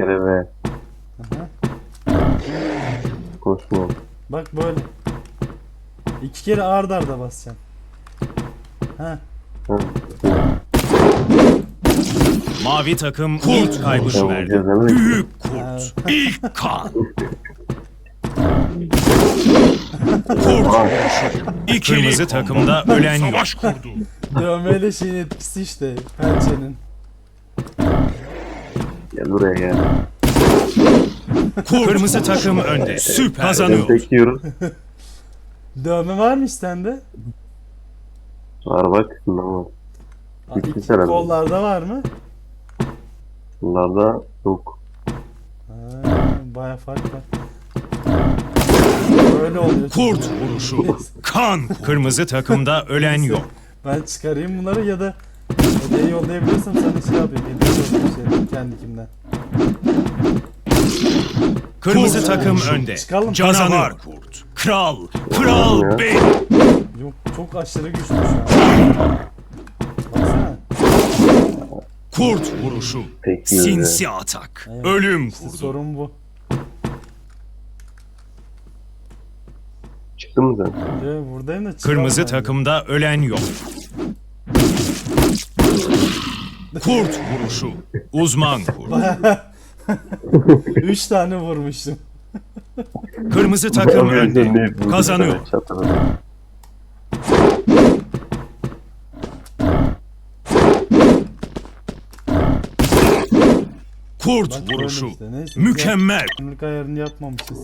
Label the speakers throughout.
Speaker 1: kere V.
Speaker 2: Aha.
Speaker 1: Koşma.
Speaker 2: Bak böyle. 2 kere ard arda basacaksın. Ha.
Speaker 1: Ha.
Speaker 3: Mavi takım ilk kaybını verdi. Büyük kurt. İlk kan. Kurt. Kırmızı takımda ölen yok.
Speaker 4: Savaş kurdu.
Speaker 2: Dövmeyle şeyin etkisi işte. Pençenin.
Speaker 1: Gel buraya gel.
Speaker 3: Kırmızı takım önde. Süper. Kazanıyor.
Speaker 1: Tek yiyoruz.
Speaker 2: Dövme varmış sende.
Speaker 1: Var bak. Bundan var.
Speaker 2: İki
Speaker 1: İki herhalde.
Speaker 2: kollarda var mı?
Speaker 1: Bunlarda yok.
Speaker 2: Ha, baya fark var. Böyle oluyor.
Speaker 3: Kurt vuruşu. Kan. Kırmızı takımda ölen yok.
Speaker 2: Ben çıkarayım bunları ya da hediye yollayabilirsem sana şey yapayım. Hediye yollayayım kendi kimden.
Speaker 3: Kırmızı
Speaker 2: Kurt
Speaker 3: takım
Speaker 2: vuruşu.
Speaker 3: önde.
Speaker 2: Çıkalım.
Speaker 3: Canavar kurt. Kral. Kral bey.
Speaker 2: Yok çok aşırı güçlü şu an. Baksana.
Speaker 3: Kurt vuruşu.
Speaker 1: Pek iyi.
Speaker 3: Sinsi atak.
Speaker 2: Evet.
Speaker 3: Ölüm
Speaker 2: İşte
Speaker 3: kurdu.
Speaker 2: sorun bu.
Speaker 1: Çıktın mı sen?
Speaker 2: Buradayım da çıkamam
Speaker 3: Kırmızı
Speaker 2: ben de.
Speaker 3: takımda ölen yok. Kurt vuruşu. Uzman kurt.
Speaker 2: 3 tane vurmuştum.
Speaker 3: Kırmızı takım önde. Kazanıyor. Kurt
Speaker 2: Bak böyle
Speaker 3: vuruşu.
Speaker 2: işte, neyse.
Speaker 3: Mükemmel.
Speaker 2: Kimlik ayarını yapmamışız.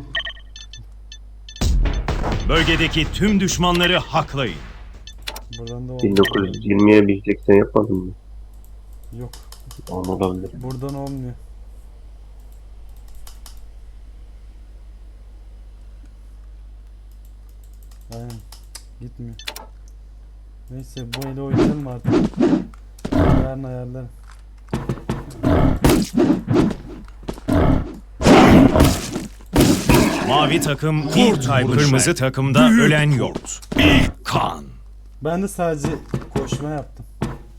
Speaker 3: Bölgedeki tüm düşmanları haklayın.
Speaker 2: Buradan da olmuyor.
Speaker 1: 1920'ye bir 80 yapmadın mı?
Speaker 2: Yok.
Speaker 1: Onu olabilir.
Speaker 2: Buradan olmuyor. Aynen. Gitmiyor. Neyse bu eli oynayalım artık. Yarın ayarlarım.
Speaker 3: Mavi takım ilk kaybı. Kırmızı takımda ölen yok. İlk kan.
Speaker 2: Ben de sadece koşma yaptım.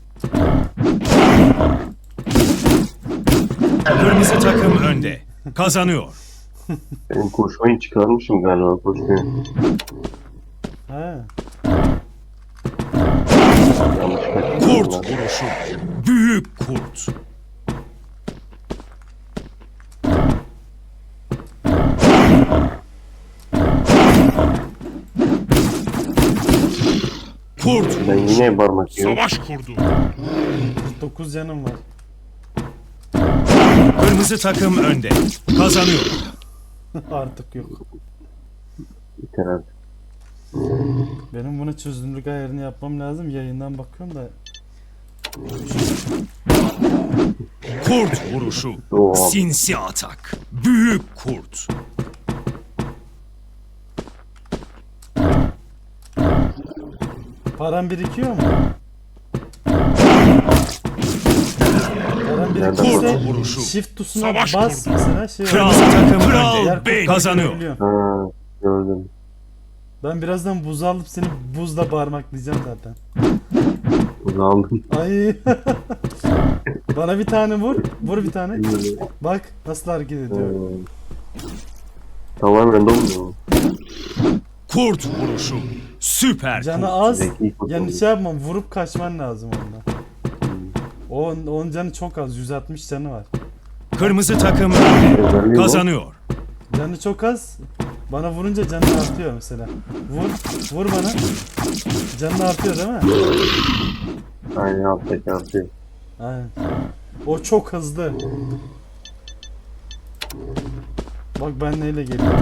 Speaker 3: Kırmızı takım önde. Kazanıyor.
Speaker 1: Ben koşmayı çıkarmışım galiba koşmayı.
Speaker 2: Ha.
Speaker 1: Yanlış kaçırdım.
Speaker 3: Kurt vuruşu. Büyük kurt. Kurt
Speaker 1: Ben yine parmak yiyorum.
Speaker 4: Savaş kurdu.
Speaker 2: 9 canım var.
Speaker 3: Kırmızı takım önde. Kazanıyor.
Speaker 2: Artık yok.
Speaker 1: Biter artık.
Speaker 2: Benim bunu çözünürlük ayarını yapmam lazım. Yayından bakıyorum da.
Speaker 3: Kurt vuruşu.
Speaker 1: Oo.
Speaker 3: Sinsi atak. Büyük kurt.
Speaker 2: Param birikiyor mu? Param
Speaker 1: Nereden
Speaker 2: birikirse
Speaker 3: Kurt vuruşu.
Speaker 2: shift tuşuna
Speaker 4: Savaş
Speaker 2: bas
Speaker 4: kurdu.
Speaker 2: mesela şey
Speaker 3: Kırmızı
Speaker 2: oluyor.
Speaker 3: takım
Speaker 2: Diğer
Speaker 3: önde.
Speaker 2: kurtları
Speaker 3: Kazanıyor.
Speaker 2: görebiliyorum.
Speaker 1: Ha, gördüm.
Speaker 2: Ben birazdan buz alıp seni buzla parmaklayacağım zaten.
Speaker 1: Bunu aldım.
Speaker 2: Ay. Bana bir tane vur. Vur bir tane. Bak nasıl hareket ediyor.
Speaker 1: Tamamen dolmuyor.
Speaker 3: Kurt vuruşu. Süper
Speaker 2: Canı
Speaker 3: kurt.
Speaker 2: az.
Speaker 1: Zeki kurt
Speaker 2: Yani
Speaker 1: oluyor.
Speaker 2: şey yapmam. Vurup kaçman lazım ondan. Onun canı çok az. 160 canı var.
Speaker 3: Kırmızı takım önde.
Speaker 1: Özelliği bu.
Speaker 3: Kazanıyor.
Speaker 2: Canı çok az. Bana vurunca canı artıyor mesela. Vur. Vur bana. Canı artıyor değil mi?
Speaker 1: Aynen alttaki artıyor.
Speaker 2: Aynen. O çok hızlı. Bak ben neyle geliyorum.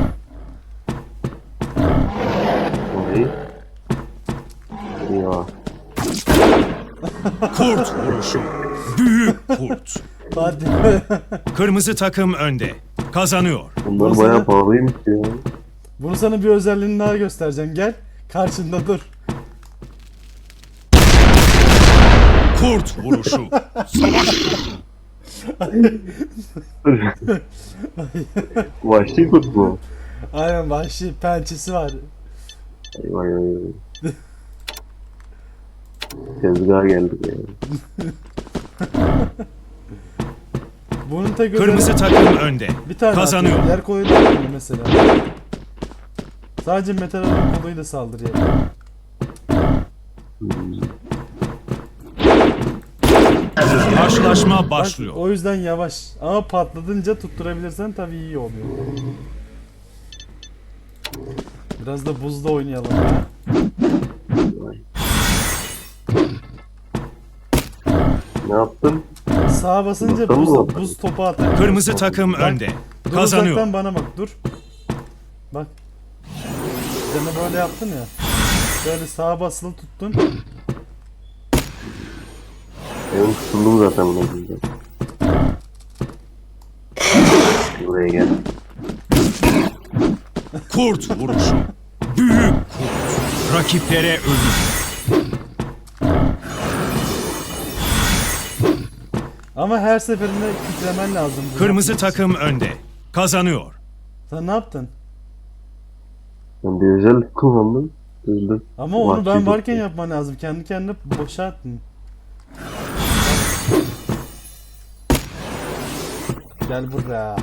Speaker 1: Orayı. Ya.
Speaker 3: Kurt vuruşu. Büyük kurt.
Speaker 2: Hadi.
Speaker 3: Kırmızı takım önde. Kazanıyor.
Speaker 1: Bunlar
Speaker 2: Nasıl
Speaker 1: bayağı
Speaker 2: ya?
Speaker 1: pahalıymış ya.
Speaker 2: Bunu sana bir özelliğini daha göstereceğim. Gel. Karşında dur.
Speaker 3: Kurt vuruşu.
Speaker 1: Vahşi kurt mu?
Speaker 2: Aynen vahşi pençesi var.
Speaker 1: Vay vay vay. Tezgaha geldik ya.
Speaker 2: Bunun tek özelliği
Speaker 3: Kırmızı takım önde.
Speaker 2: bir tane
Speaker 3: Kazanıyor.
Speaker 2: atıyor. Diğer kolayı da atmıyor mesela. Sadece metal olan kolayı da saldırıyor.
Speaker 3: Karşılaşma
Speaker 2: Bak,
Speaker 3: başlıyor.
Speaker 2: o yüzden yavaş. Ama patladınca tutturabilirsen tabii iyi oluyor. Biraz da buzda oynayalım ya.
Speaker 1: Ne yaptın?
Speaker 2: Sağa basınca
Speaker 1: Bakalım mı?
Speaker 2: buz topu atar.
Speaker 3: Kırmızı takım önde.
Speaker 2: Dur
Speaker 3: Kazanıyor.
Speaker 2: uzaktan bana bak dur. Bak. Canı böyle yaptın ya. Böyle sağa basılı tuttun.
Speaker 1: Benim tutuldum zaten buna güzel. Buraya gel.
Speaker 3: Kurt vuruşu. Büyük kurt. Rakiplere ölüm.
Speaker 2: Ama her seferinde titremen lazım. bu
Speaker 3: Kırmızı
Speaker 2: yapmak için.
Speaker 3: takım önde. Kazanıyor.
Speaker 2: Sen ne yaptın?
Speaker 1: Ben bir özel kullandım. Öldüm.
Speaker 2: Ama onu ben
Speaker 1: Vahşi
Speaker 2: varken
Speaker 1: tuttu.
Speaker 2: yapman lazım. Kendi kendine boşa attın. Gel buraya.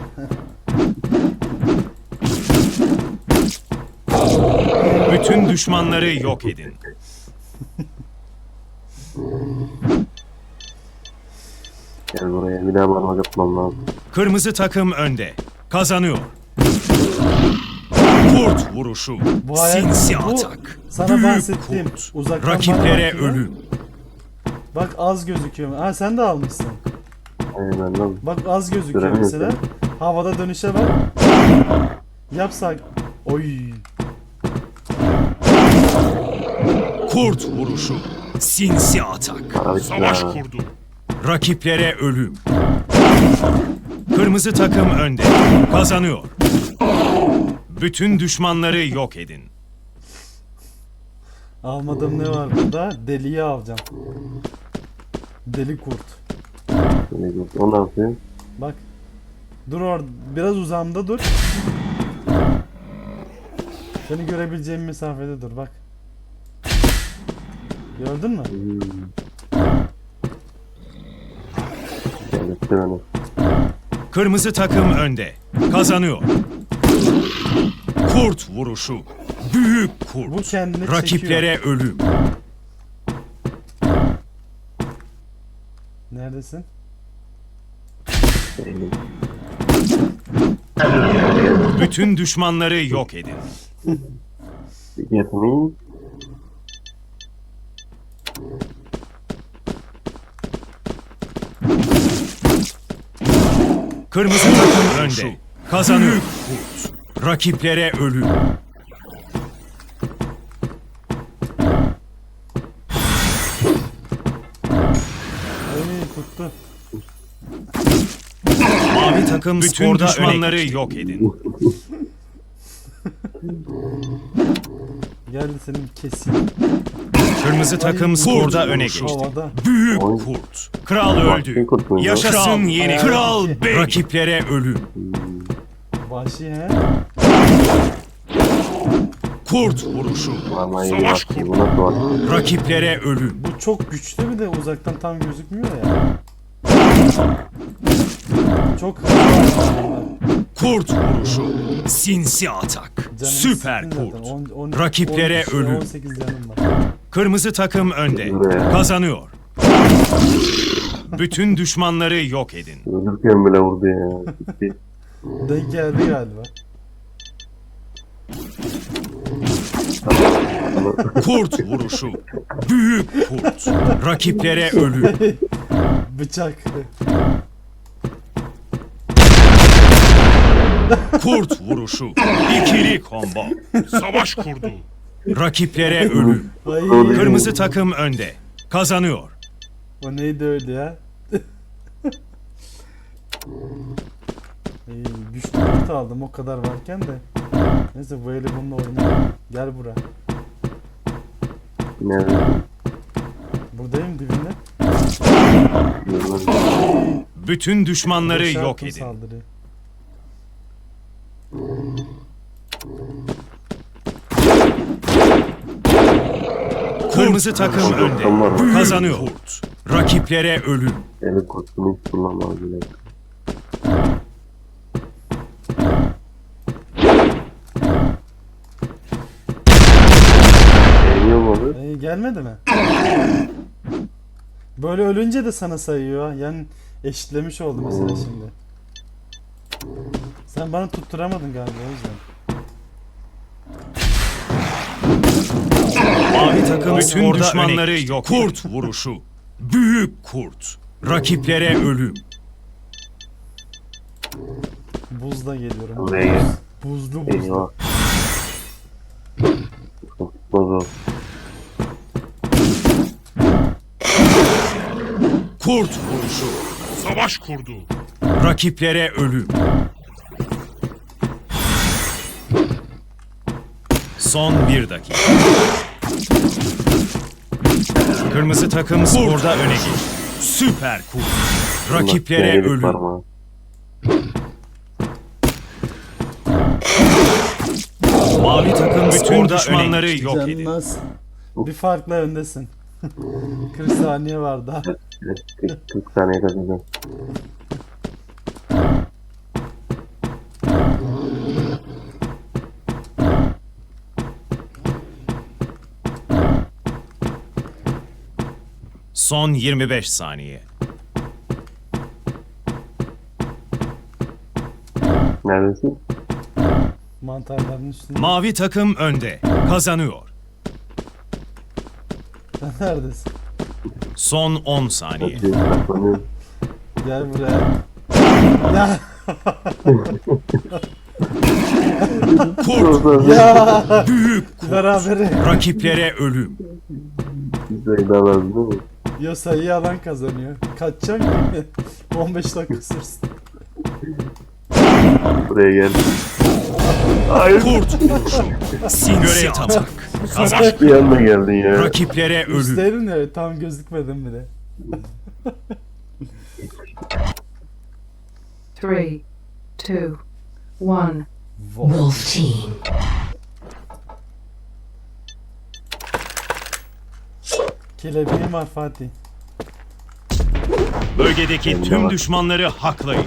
Speaker 3: Bütün düşmanları yok edin.
Speaker 1: Gel buraya. Bir daha bana yapmam lazım.
Speaker 3: Kırmızı takım önde. Kazanıyor. Kurt vuruşu.
Speaker 2: Bu hayat-
Speaker 3: Sinsi
Speaker 2: bu
Speaker 3: atak.
Speaker 2: sana
Speaker 3: Büyük
Speaker 2: bahsettiğim
Speaker 3: kurt.
Speaker 2: uzaktan bana
Speaker 3: Rakiplere
Speaker 2: bakıyor.
Speaker 3: ölüm.
Speaker 2: Bak az gözüküyor. Ha sen de almışsın.
Speaker 1: Aynen lan.
Speaker 2: Bak az gözüküyor
Speaker 1: Göremiyorum
Speaker 2: mesela. Havada dönüşe bak. Yapsak. Oy.
Speaker 3: Kurt vuruşu. Sinsi atak.
Speaker 1: Para bitti ya.
Speaker 3: kurdu. Rakiplere ölüm. Kırmızı takım önde. Kazanıyor. Bütün düşmanları yok edin.
Speaker 2: Almadığım ne var burada? Deliyi alacağım. Deli kurt.
Speaker 1: Şöyle gel. O ne yapıyor?
Speaker 2: Bak. Dur orada. Biraz uzağımda dur. Seni görebileceğim mesafede dur bak. Gördün mü?
Speaker 1: Gel etti beni.
Speaker 3: Kırmızı takım önde. Kazanıyor. Kurt vuruşu. Büyük
Speaker 2: Bu
Speaker 3: kurt.
Speaker 2: kendini
Speaker 3: Rakiplere
Speaker 2: çekiyor.
Speaker 3: ölüm.
Speaker 2: Neredesin?
Speaker 1: Eğilim.
Speaker 3: Bütün düşmanları yok edin.
Speaker 1: Get me.
Speaker 3: Kırmızı takım önde. Kazanıyor. Kurt. Rakiplere ölüm.
Speaker 2: Ay tuttu.
Speaker 3: Mavi takım bütün düşmanları yok edin.
Speaker 2: Gel senin keseyim.
Speaker 3: Kırmızı takım
Speaker 2: Ay,
Speaker 3: skorda
Speaker 2: kurt
Speaker 3: öne geçti.
Speaker 2: Havada.
Speaker 3: Büyük
Speaker 1: Oy.
Speaker 3: kurt. Kral
Speaker 1: Vahşi
Speaker 3: öldü.
Speaker 1: kurt muydu?
Speaker 3: Yaşasın yeni kral bey. Rakiplere ölüm.
Speaker 2: Vahşi he.
Speaker 3: Kurt vuruşu.
Speaker 1: Vallahi iyi baktı. Bu nasıl baktı?
Speaker 3: Rakiplere ölüm.
Speaker 2: Bu çok güçlü bir de uzaktan tam gözükmüyor ya. Çok hızlı aslında.
Speaker 3: Kurt vuruşu. Sinsi atak.
Speaker 2: Canımı
Speaker 3: Süper
Speaker 2: sıktın zaten.
Speaker 3: kurt. Rakiplere ölüm.
Speaker 2: 18 canım var.
Speaker 3: Kırmızı takım önde.
Speaker 1: Buraya.
Speaker 3: Kazanıyor. Bütün düşmanları yok edin.
Speaker 1: Ölürken bile vurdu ya. Gitti.
Speaker 2: Denk geldi galiba.
Speaker 3: Kurt vuruşu. Büyük kurt. Rakiplere ölüm.
Speaker 2: Bıçak.
Speaker 3: Kurt vuruşu. İkili combo. Savaş kurdu. Rakiplere ölüm.
Speaker 2: Ay.
Speaker 3: Kırmızı takım önde. Kazanıyor.
Speaker 2: O neydi öyle ya? Güçlü kurt aldım o kadar varken de. Neyse bu eli bununla oynayalım. Gel bura.
Speaker 1: Nerede?
Speaker 2: Buradayım dibinde.
Speaker 3: Bütün düşmanları
Speaker 2: Boşa
Speaker 3: yok
Speaker 2: attım
Speaker 3: edin.
Speaker 2: saldırıyı.
Speaker 3: Kırmızı takım önde. Kazanıyor. Rakiplere ölüm.
Speaker 1: Eli kurtunu hiç kullanmadı bile.
Speaker 2: Gelmedi mi? Böyle ölünce de sana sayıyor. Yani eşitlemiş oldu mesela şimdi. Sen bana tutturamadın galiba o yüzden.
Speaker 3: Mavi takım bütün
Speaker 2: Orada
Speaker 3: düşmanları yok. Kurt vuruşu. Büyük kurt. Rakiplere ölüm.
Speaker 2: Buzla geliyorum.
Speaker 1: Buraya gel.
Speaker 2: Buzlu
Speaker 1: Eyvah. Bozul.
Speaker 3: Kurt vuruşu. Savaş kurdu. Rakiplere ölüm. Son 1 dakika. Kırmızı takım sporda öne geçti. Süper kurt. Rakiplere
Speaker 1: Yedik
Speaker 3: ölüm.
Speaker 1: parmağı.
Speaker 3: Mavi takım bütün düşmanları yok edin.
Speaker 2: Canınız. Bir farkla öndesin. 40 saniye var daha.
Speaker 1: 40 saniye kazanacağım.
Speaker 3: Son 25 saniye.
Speaker 1: Neredesin?
Speaker 2: Mantarların üstünde.
Speaker 3: Mavi takım önde. Kazanıyor.
Speaker 2: Sen neredesin?
Speaker 3: Son 10 saniye.
Speaker 1: Saklanıyorum.
Speaker 2: Gel buraya. Ya.
Speaker 3: Kurt.
Speaker 2: Ya.
Speaker 3: Büyük kurt.
Speaker 2: Berabere.
Speaker 3: Rakiplere ölüm.
Speaker 1: Güzel daha lazım değil mi?
Speaker 2: Ya sayı alan kazanıyor. Kaçacak ki. 15 dakika sürsün.
Speaker 1: Buraya gel. Hayır.
Speaker 3: Kurt vuruşu. Sinsi atak. Kazan.
Speaker 1: Bir anda geldin ya.
Speaker 3: Rakiplere ölüm.
Speaker 2: Üstlerin ya tam gözükmedim bile.
Speaker 4: 3, 2, 1.
Speaker 5: Wolf Team.
Speaker 2: Kelebeğim var Fatih.
Speaker 3: Bölgedeki tüm düşmanları haklayın.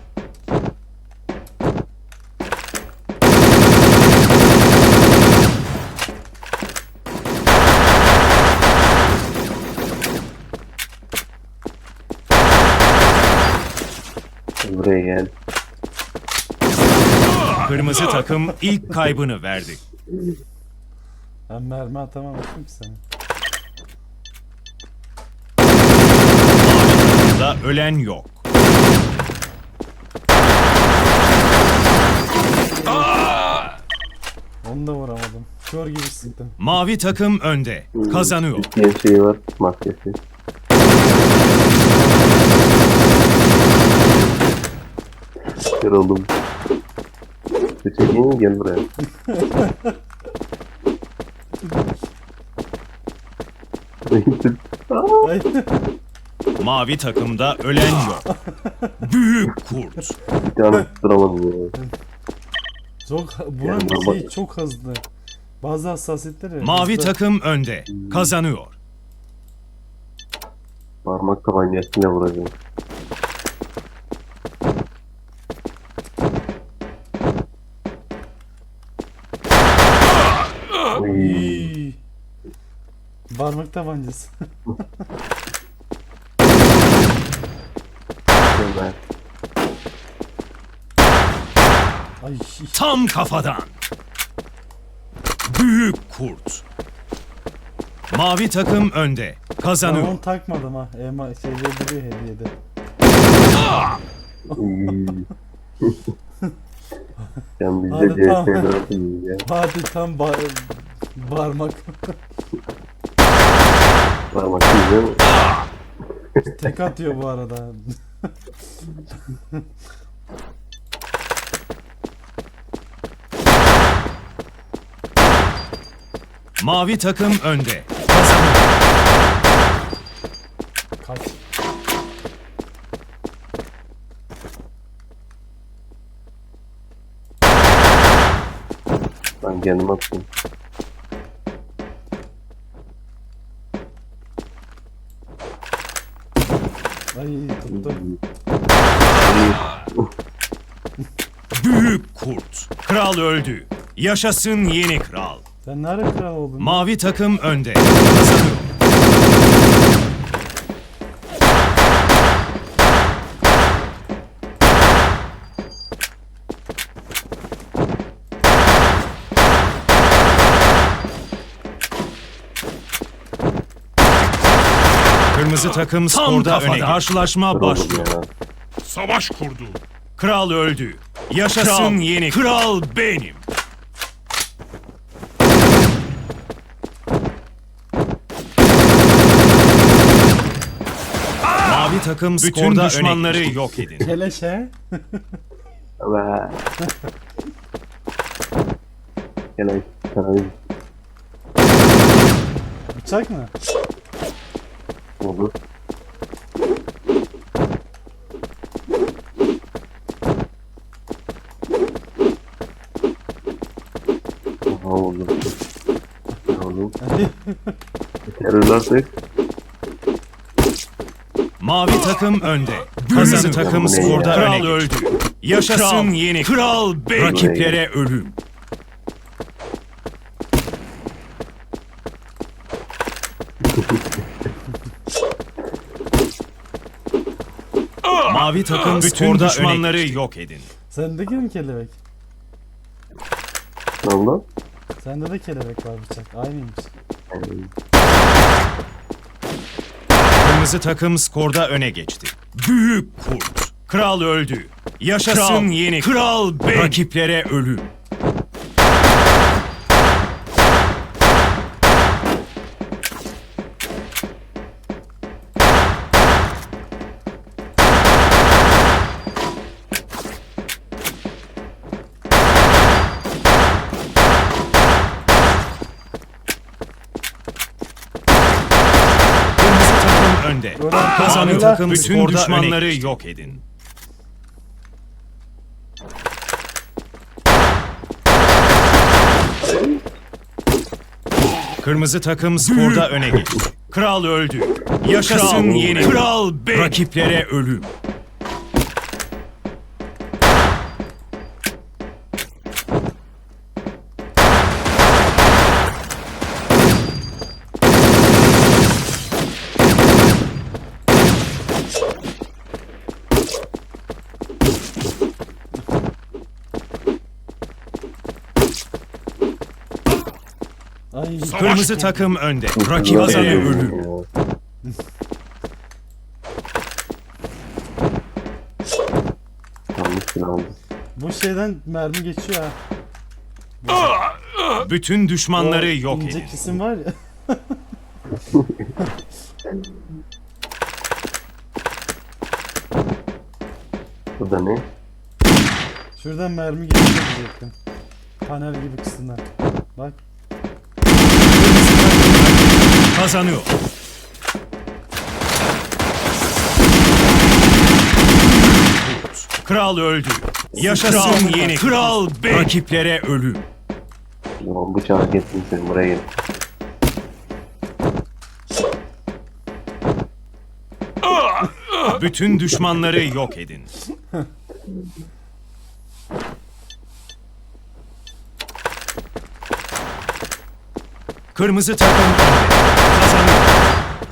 Speaker 1: Buraya gel.
Speaker 3: Kırmızı takım ilk kaybını verdi.
Speaker 2: Ben mermi atamamıştım ki sana.
Speaker 3: Da ölen yok.
Speaker 2: Onu da vuramadım. Kör gibi sıktım.
Speaker 3: Mavi takım önde. Kazanıyor.
Speaker 1: İsteyen şeyi var. Maskesi. Kör oldum. Çekeyim gel buraya.
Speaker 2: Ay.
Speaker 3: Mavi takımda ölen yok. Büyük kurt.
Speaker 1: Bir tane tutturamadım ya.
Speaker 2: Buranın
Speaker 1: Yani
Speaker 2: şeyi çok hızlı. Bazı hassasiyetleri.
Speaker 3: Mavi
Speaker 2: hızlı.
Speaker 3: takım önde. Kazanıyor.
Speaker 1: Parmak tabancasıyla vuracağım. Oy.
Speaker 2: İyi. Parmak tabancası.
Speaker 1: Güzel.
Speaker 2: Ay.
Speaker 3: Tam kafadan. Büyük kurt. Mavi takım önde.
Speaker 2: Ben
Speaker 3: Kazanıyor.
Speaker 2: onu takmadım ha. Şeyleri duruyor hediyede.
Speaker 1: Oy. Sen bizde
Speaker 2: Hadi tamam.
Speaker 1: CS'de atın ya.
Speaker 2: Fatih tam parmak.
Speaker 1: Parmak güzel.
Speaker 2: Tek atıyor bu arada.
Speaker 3: Mavi takım önde. Kazanıyor.
Speaker 2: Kaç.
Speaker 1: Ben kendim atayım.
Speaker 2: Ay tuttum.
Speaker 3: Büyük kurt. Kral öldü. Yaşasın yeni kral.
Speaker 2: Sen ne ara kral oldun?
Speaker 3: Mavi takım önde. Kazanıyor. Kırmızı takım skorda öne. Karşılaşma başlıyor.
Speaker 1: Ya.
Speaker 3: Savaş kurdu. Kral öldü. Yaşasın yeni kral benim. Mavi takım bütün düşmanları yok edin.
Speaker 2: Keleşe.
Speaker 1: Ve... Gene kanayı
Speaker 2: Bıçak mı?
Speaker 1: olur. Aha olur. Olur. Terör artık.
Speaker 3: Mavi takım önde. Kırmızı takım
Speaker 1: Bu ne
Speaker 3: skorda
Speaker 1: ya?
Speaker 3: öne öldü. Yaşasın yeni kral benim. Rakiplere ölüm. Mavi takım bütün düşmanları yok edin.
Speaker 2: Sendeki mi kelebek?
Speaker 1: Ne oldu?
Speaker 2: Sende de kelebek var bıçak. Aynıymış.
Speaker 3: Kırmızı takım skorda öne geçti. Büyük kurt. Kral öldü. Yaşasın yeni kral benim. Rakiplere ölüm. Kırmızı takım önde. Kazanıyor takım bütün düşmanları yok edin. Kırmızı takım skorda öne geçti. Kral öldü. Yaşasın yeni kral benim. Rakiplere ölüm.
Speaker 2: Ay.
Speaker 3: Kırmızı takım önde. Rakiplere ölüm.
Speaker 1: Yanlış silah aldım.
Speaker 2: Bu şeyden mermi geçiyor ha.
Speaker 3: Bütün düşmanları
Speaker 2: O
Speaker 3: yok
Speaker 2: ince
Speaker 3: edin.
Speaker 2: kesim var ya.
Speaker 1: Bu da ne?
Speaker 2: Şuradan mermi geçiyor diyecektim. Panel gibi kısımdan. Bak.
Speaker 3: Kazanıyor. Kral öldü. Yaşasın yeni kral benim. Rakiplere ölüm.
Speaker 1: Tamam bıçağı kestim seni buraya gel.
Speaker 3: Bütün düşmanları yok edin. Kırmızı takım önde. Kazanıyor.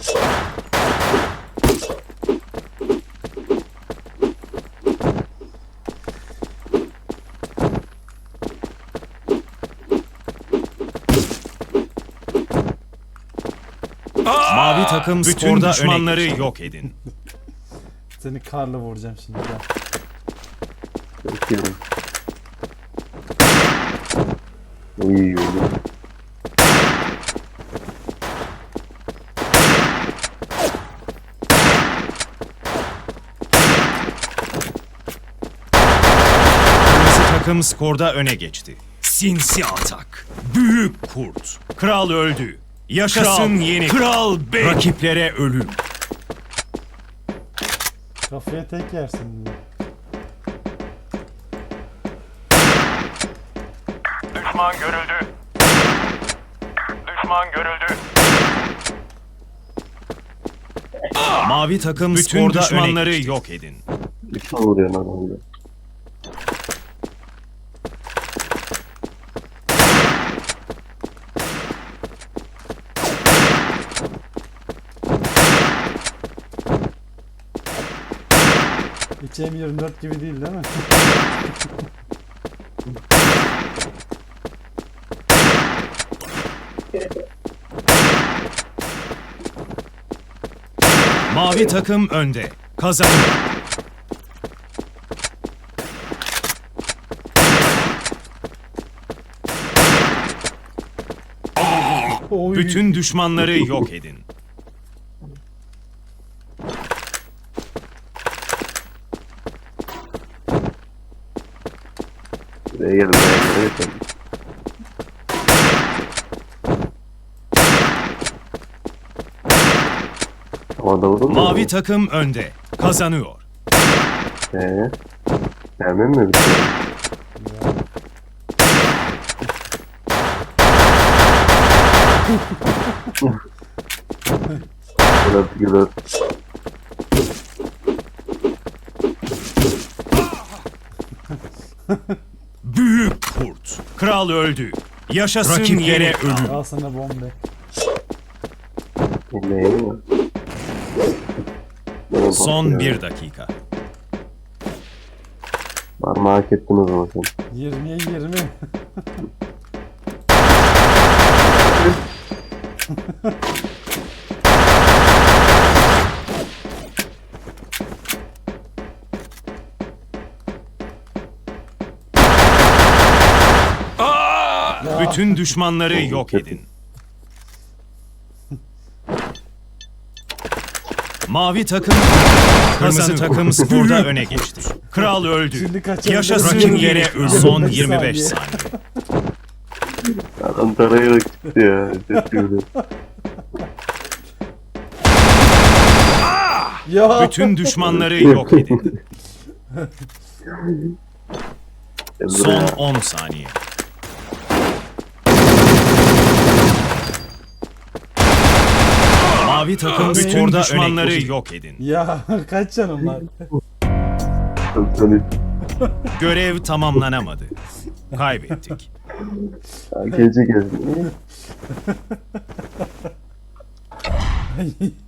Speaker 3: Mavi takım bütün düşmanları yok edin.
Speaker 2: Seni karla vuracağım şimdi. Gel.
Speaker 1: Bekliyorum. İyi oldu.
Speaker 3: Kırmızı takım skorda öne geçti. Sinsi atak. Büyük kurt. Kral öldü. Yaşasın yeni kral benim. Rakiplere ölüm.
Speaker 2: Kafaya tek yersin.
Speaker 6: Düşman görüldü. Düşman görüldü.
Speaker 3: Mavi takım bütün düşmanları yok edin.
Speaker 1: Düşman vuruyor lan orada.
Speaker 2: Hiç M24 gibi değil mi?
Speaker 3: Mavi takım önde. Kazanıyor.
Speaker 2: Oy.
Speaker 3: Bütün düşmanları yok edin.
Speaker 1: Buraya gelin. Buraya gelin. Havada vurur mu?
Speaker 3: Mavi takım önde. Kazanıyor.
Speaker 1: Gelmem mi bir şey? Güler güler.
Speaker 3: Büyük kurt. Kral öldü. Yaşasın yere ölüm.
Speaker 2: Al sana bombe.
Speaker 1: Neyim mi?
Speaker 3: Son 1 dakika.
Speaker 1: Parmağı hak ettin o zaman sen.
Speaker 2: 20'ye 20.
Speaker 3: Bütün düşmanları yok edin. Mavi takım kırmızı takım skorda öne geçti. Kral öldü.
Speaker 2: Şimdi kaçan
Speaker 3: Yaşasın
Speaker 2: rakip
Speaker 3: yere ölüm. Son 25 saniye.
Speaker 1: Adam tarayarak çıktı ya. Ses gibi.
Speaker 2: Ya.
Speaker 3: Bütün düşmanları yok edin. Son 10 saniye. Mavi takım bütün düşmanları yok edin.
Speaker 2: Ya kaç canım var?
Speaker 3: Görev tamamlanamadı. Kaybettik.
Speaker 1: Gece gezdim.